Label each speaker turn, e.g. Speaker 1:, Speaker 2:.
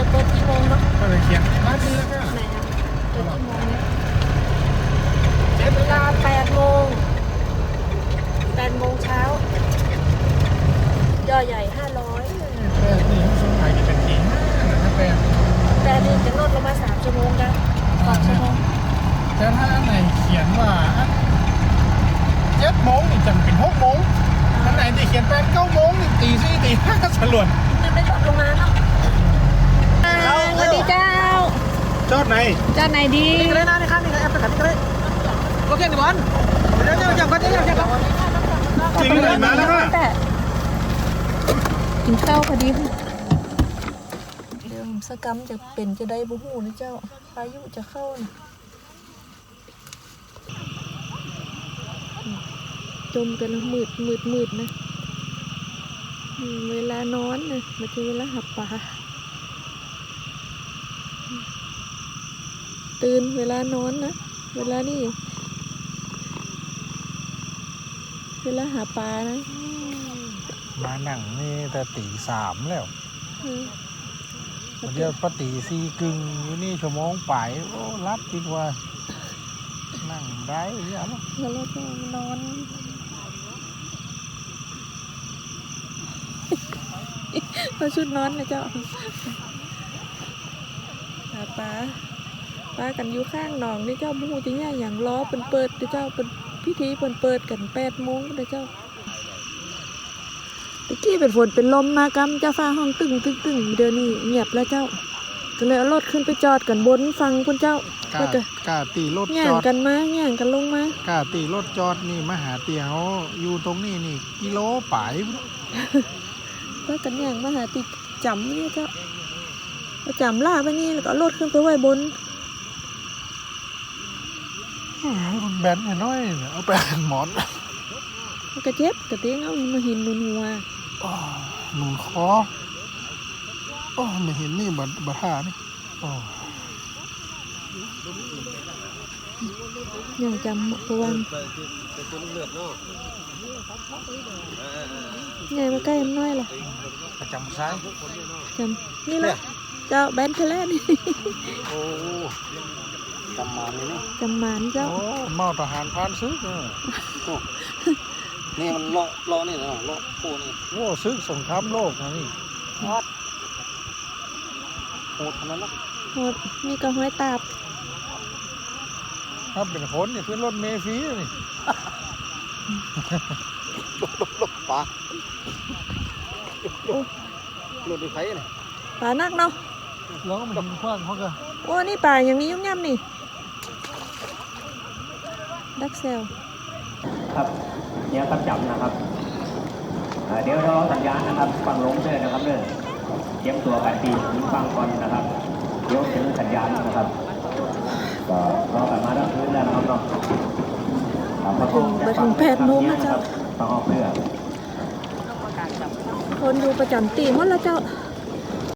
Speaker 1: เปิดกี่โมงเนาะ
Speaker 2: ก็เลยเขียนร้านนี้แล้วก็
Speaker 1: ไหนอ่ะเปิดกี่โมงเนี่ยเวลา8 โมง8 โมงเช้าย่อใหญ่500
Speaker 2: แต่นี่เขาส่งขายกี่เป็นกี่นะแต่
Speaker 1: แต่นี่จะลดลงมา3 ชั่วโมงนะ2 ชั่วโมง
Speaker 2: แต่ถ้าอันไหนเขียนว่า7 โมงนี่จำเป็น6 โมงอันไหนที่เขียน8 9 โมงนี่ตี 4 ตี 5สลวน
Speaker 1: มันไม่ลดลงมาเนาะสวัสดีเจ้า
Speaker 2: จอดไหน
Speaker 1: เจ้าไหนดี
Speaker 2: นี่เลยนะนี่ครับนี่ก็แอปประกันนี่ก็เลยโอเคนี่บอลเดี๋ยวจับกันเดี๋ยวจับกันจริงเลยมาแล้วนะ
Speaker 1: แต่กินข้าวพอดีเดี๋ยวสกรรมจะเป็นจะได้บุหูนะเจ้าพายุจะเข้านะจมกันแล้วมืดนะเวลานอนนะไม่ใช่เวลาหับปลาตื่นเวลานอนนะเวลานี่เวลาหาปลานะ
Speaker 2: มาหนังนี่แต่ตี 3แล้วเดี๋ยวปตี4 กึ่งอยู่นี่ชั่วโมงไปโอ้รับดีกว่านั่งได้ยัง
Speaker 1: แล้วเราจะนอนเราชุดนอนนะเจ้าหาปลากันอยู่ข้างหนองนี่เจ้ามูจะเนี่ยอย่างล้อเป็นเปิดเจ้าเป็นพิธีเปิดกัน8 โมงนะเจ้าตะกี้เป็นฝนเป็นลมมากำเจ้าฟ้าห้องตึงเดี๋ยวนี้เงียบแล้วเจ้าก็เลยเอารถขึ้นไปจอดกันบนฟังคุณเจ้าก
Speaker 2: ล้าตีรถ
Speaker 1: แย่
Speaker 2: จ
Speaker 1: ง
Speaker 2: อด
Speaker 1: กันมาแย่งกันลงมาก
Speaker 2: ล้าตีรถจอดนี่มาหาเตียวอยู่ตรงนี้นี่กิโลป่าย
Speaker 1: เพื่อกันแย่งมาหาติดจำเนี่ยเจ้าเอาจำล่าไปนี่แล้วก็เอารถขึ้นไปไว้บน
Speaker 2: มันแบนน้อยๆเอาไปหมอน
Speaker 1: มันกระเจ็บกระเตี้ยงเอามาหินนุนหัว
Speaker 2: หนุนคอไม่เห็นนี่บัท่านี่
Speaker 1: ยังจำประวันใหญ่มาใกล้มันน้อยล่ะ
Speaker 2: ประจำซ้าย
Speaker 1: จำนี่แหละเจ้าแบนเทเลนี่
Speaker 2: โอ้จำมันนี่
Speaker 1: จำหมานเจ้า
Speaker 2: โอ้เมาทหารพานซึก
Speaker 3: นี่มันเลาะนี่นะเลาะโคนี่
Speaker 2: โอ้ซึกสงครามโลกนะนี่
Speaker 3: โหดขนาดนั้น
Speaker 1: โหดมีกระห้อยตาบ
Speaker 2: ถ้าเป็นคนนี่ขึ้นรถเมล์ฟรีนี่
Speaker 3: ลบปลาหลุดในไฟนี่
Speaker 1: ป่านักเนาะ
Speaker 2: แล้วก็มันคว้างเขาก็
Speaker 1: โอ้นี่ป่าอย่างนี้ยุ่งยำนี่ดักเซล
Speaker 4: ครับเนี่ยครับจับนะครับเดี๋ยวรอสัญญาณนะครับฟังลงด้วยนะครับเรื่องเตรียมตัวกันตีฟังก่อนนะครับเดี๋ยวถึงสัญญาณนะครับก็รอกันมาแล้วพื้นแล้วนะครับเนาะ
Speaker 1: ไปถึง8 โมงนะเจ้า
Speaker 4: ฟังออกเรือ
Speaker 1: คนอยู่ประจำตีหมดแล้วเจ้า